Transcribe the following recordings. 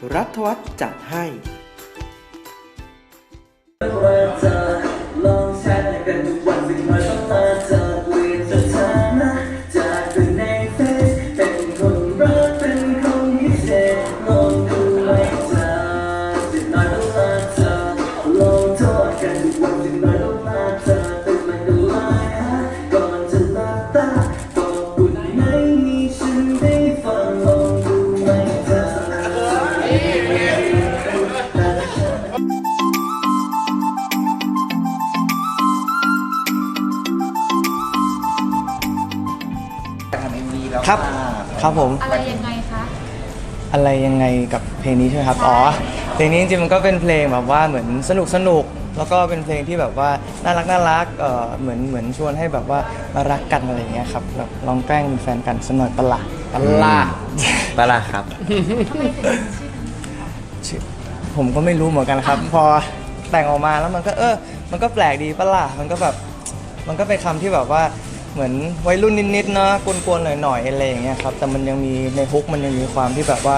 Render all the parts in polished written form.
รัฐวัฒน์จัดให้ลองแชร์กันทุกวันสิ่งน้อยต้องมาเจอเปลี่ยนสถานะจากเป็นในเฟซเป็นคนรักเป็นคนพิเศษลองดูไว้เจอสิ่งน้อยต้องมาเจอลองโทษกันทุกวันสิ่งน้อยต้องมาเจอตื่นมากันไลน์ก่อนจะหลับตาบอกคุณไม่มีฉันได้ฟังลองดูไว้เจอครับครับผมอะไรยังไงคะอะไรยังไงกับเพลงนี้ใช่ไหมครับอ๋อเพลงนี้จริงๆมันก็เป็นเพลงแบบว่าเหมือนสนุกแล้วก็เป็นเพลงที่แบบว่าน่ารักเหมือนชวนให้แบบว่ามารักกันอะไรอย่างเงี้ยครับแบบลองแกล้งเป็นแฟนกันสักหน่อยปะล่ะครับชื่อผมก็ไม่รู้เหมือนกันครับพอแต่งออกมาแล้วมันก็แปลกดีปะล่ะมันก็แบบมันก็เป็นคำที่แบบว่าเหมือนวัยรุ่นนิดๆเนาะกวนๆหน่อยๆอะไรอย่างเงี้ยครับแต่มันยังมีในฮุกมันยังมีความที่แบบว่า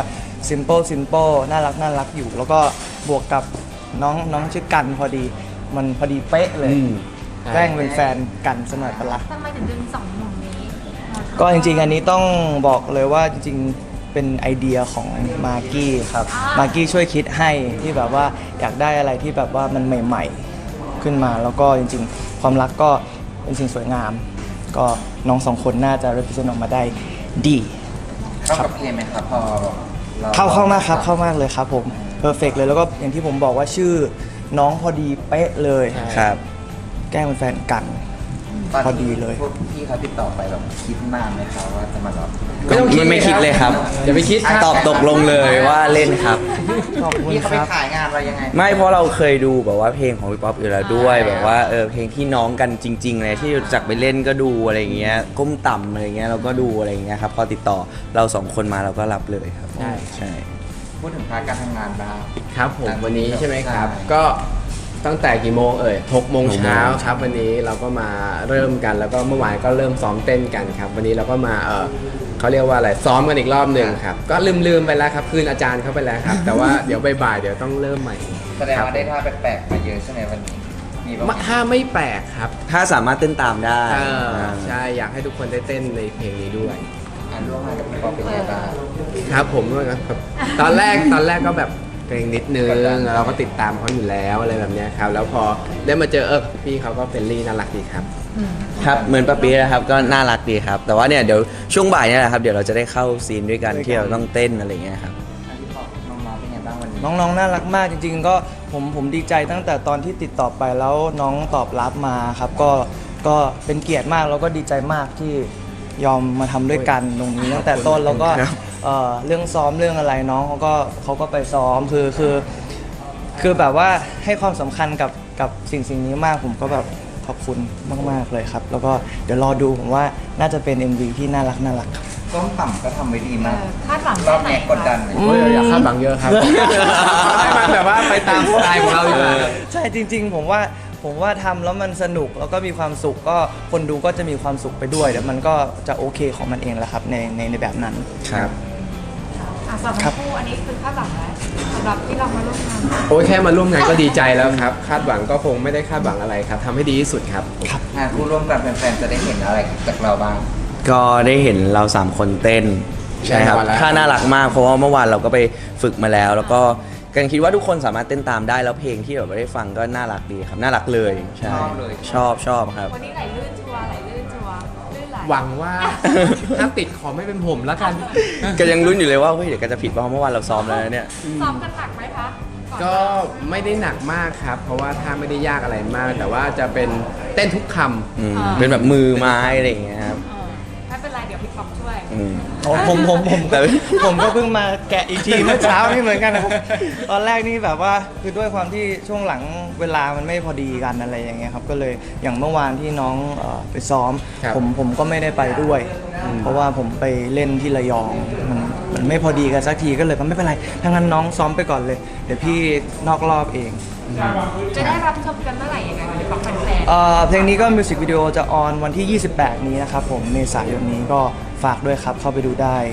simple น่ารักอยู่แล้วก็บวกกับน้องชื่อกันพอดีมันพอดีเป๊ะเลยแกล้งเป็นแฟนกันสมัยปะละทำไมถึงดึงสองหนุ่มนี้ก็จริงๆอันนี้ต้องบอกเลยว่าจริงๆเป็นไอเดียของมากกี้ครับมากกี้ช่วยคิดให้ที่แบบว่าอยากได้อะไรที่แบบว่ามันใหม่ๆขึ้นมาแล้วก็จริงๆความรักก็เป็นสิ่งสวยงามก็น้องสองคนน่าจะ represent ออกมาได้ดีเข้ากับเพลงไหมครับพอเข้ามากครับเข้ามากเลยครับผม perfect เลยแล้วก็อย่างที่ผมบอกว่าชื่อน้องพอดีเป๊ะเลยครับแกล้งเป็นแฟนกันพอดีเลยพวกพี่เขาติดต่อไปแบบคิดนานไหมครับว่าจะมารับไม่คิดเลยครับอย่าไปคิดตอบตกลงเลยว่าเล่นครับขอบคุณพี่เขาคไปรับขายงานเรายังไงไม่เพราะเราเคยดูแบบว่าเพลงของพี่ป๊อปอยู่แล้วด้วยแบบว่าเพลงที่น้องกันจริงๆเลยที่รู้จักไปเล่นก็ดูอะไรเงี้ยก้มต่ำอะไรเงี้ยเราก็ดูอะไรเงี้ยครับพอติดต่อเราสองคนมาเราก็รับเลยครับใช่พูดถึงพาร์ทการทำงานบ้างครับผมวันนี้ใช่ไหมครับก็ตั้งแต่กี่โมง6 โมงเช้าครับวันนี้เราก็มาเริ่มกันแล้วก็เมื่อวานก็เริ่มซ้อมเต้นกันครับวันนี้เราก็มาเขาเรียกว่าอะไรซ้อมกันอีกรอบหนึ่งครับก็ลืมไปแล้วครับคืนอาจารย์เข้าไปแล้วครับแต่ว่าเดี๋ยวบ่ายๆเดี๋ยวต้องเริ่มใหม่แสดงว่าได้ท่าแปลกๆมาเยอะใช่ไหมวันนี้มีบ้างถ้าไม่แปลกครับถ้าสามารถเต้นตามได้ใช่อยากให้ทุกคนได้เต้นในเพลงนี้ด้วยร่วมงานกับพี่ป๊อปเป็นไงบ้างครับผมครับตอนแรกก็แบบเกรงนิดนึงเราก็ติดตามเขาอยู่แล้วอะไรแบบนี้ครับแล้วพอได้มาเจอพี่เขาก็เฟรนลี่น่ารักดีครับครับเหมือนปะปีนะครับก็น่ารักดีครับแต่ว่าเนี่ยเดี๋ยวช่วงบ่ายเนี่ยแหละครับเดี๋ยวเราจะได้เข้าซีนด้วยกันที่เราต้องเต้นอะไรอย่างเงี้ยครับน้องๆเป็นไงบ้างวันนี้น้องๆน่ารักมากจริงๆก็ผมดีใจตั้งแต่ตอนที่ติดต่อไปแล้วน้องตอบรับมาครับก็เป็นเกียรติมากแล้วก็ดีใจมากที่ยอมมาทำด้วยกันตรงนี้ตั้งแต่ต้นแล้วก็เรื่องซ้อมเรื่องอะไรน้องเขาก็ไปซ้อมคือแบบว่าให้ความสำคัญกับสิ่งนี้มากผมก็แบบขอบคุณมากๆเลยครับแล้วก็เดี๋ยวรอดูผมว่าน่าจะเป็น MV ที่น่ารักครับก้มต่ำก็ทำไว้ดีมากคาดหวังรอบนี้กดดันอยากคาดหวังเยอะครับให้มันแบบว่าไปตามสไตล์ของเราอยู่ใช่จริงๆผมว่าทำแล้วมันสนุกแล้วก็มีความสุขก็คนดูก็จะมีความสุขไปด้วยแล้วมันก็จะโอเคของมันเองแหละครับในแบบนั้นครับสำหรับคู่อันนี้คือคาดหวังแล้วสำหรับที่เรามาร่วมงานโอ้ยแค่มาร่วมงานก็ดีใจแล้วครับคาดหวังก็คงไม่ได้คาดหวังอะไรครับทำให้ดีที่สุดครับงานคู่ร่วมกันแฟนๆจะได้เห็นอะไรจากเราบ้างก็ได้เห็นเรา3คนเต้นใช่ครับท่าน่ารักมากเพราะว่าเมื่อวานเราก็ไปฝึกมาแล้วก็กันคิดว่าทุกคนสามารถเต้นตามได้แล้วเพลงที่แบบได้ฟังก็น่ารักดีครับน่ารักเลยใช่ชอบครับวันนี้ไหลลื่นชัวร์ลื่นไหลหวังว่าถ้าติดขอไม่เป็นผมแล้วกันก็ยังลุ้นอยู่เลยว่าเฮ้ยเดี๋ยวก็จะผิดเพราะเมื่อวานเราซ้อมแล้วเนี่ยซ้อมกันหนักไหมคะก็ไม่ได้หนักมากครับเพราะว่าถ้าไม่ได้ยากอะไรมากแต่ว่าจะเป็นเต้นทุกคำเป็นแบบมือไม้อะไรอย่างเงี้ยครับไม่เป็นไรเดี๋ยวพี่ป๊อปช่วยผมก็เพิ่งมาแกะอีกทีเมื่อเช้านี่เหมือนกันนะตอนแรกนี่แบบว่าคือด้วยความที่ช่วงหลังเวลามันไม่พอดีกันอะไรอย่างเงี้ยครับก็เลยอย่างเมื่อวานที่น้องไปซ้อมผมก็ไม่ได้ไปด้วยเพราะว่าผมไปเล่นที่ระยองมันไม่พอดีกันสักทีก็เลยไม่เป็นไรถ้างั้นน้องซ้อมไปก่อนเลยเดี๋ยวพี่นอกรอบเองจะได้รับชมกันเมื่อไหร่ยังไงวันนี้ฟังแฟนเพลงนี้ก็มิวสิกวิดีโอจะออนวันที่28นี้นะครับผมเมษายนนี้ก็ฝากด้วยครับเข้าไปดูได้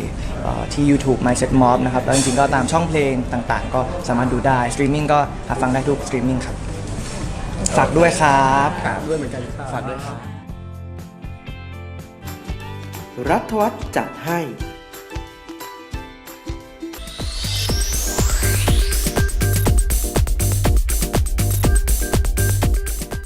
ที่ YouTube Mindset Mob นะครับแล้วจริงๆก็ตามช่องเพลงต่างๆ ก็สามารถดูได้สตรีมมิ่งก็หาฟังได้ทุกสตรีมมิ่งครับฝากด้วยครับครับด้วยเหมือนกันครับฝากด้วยครับรัฐวัฒน์จัดให้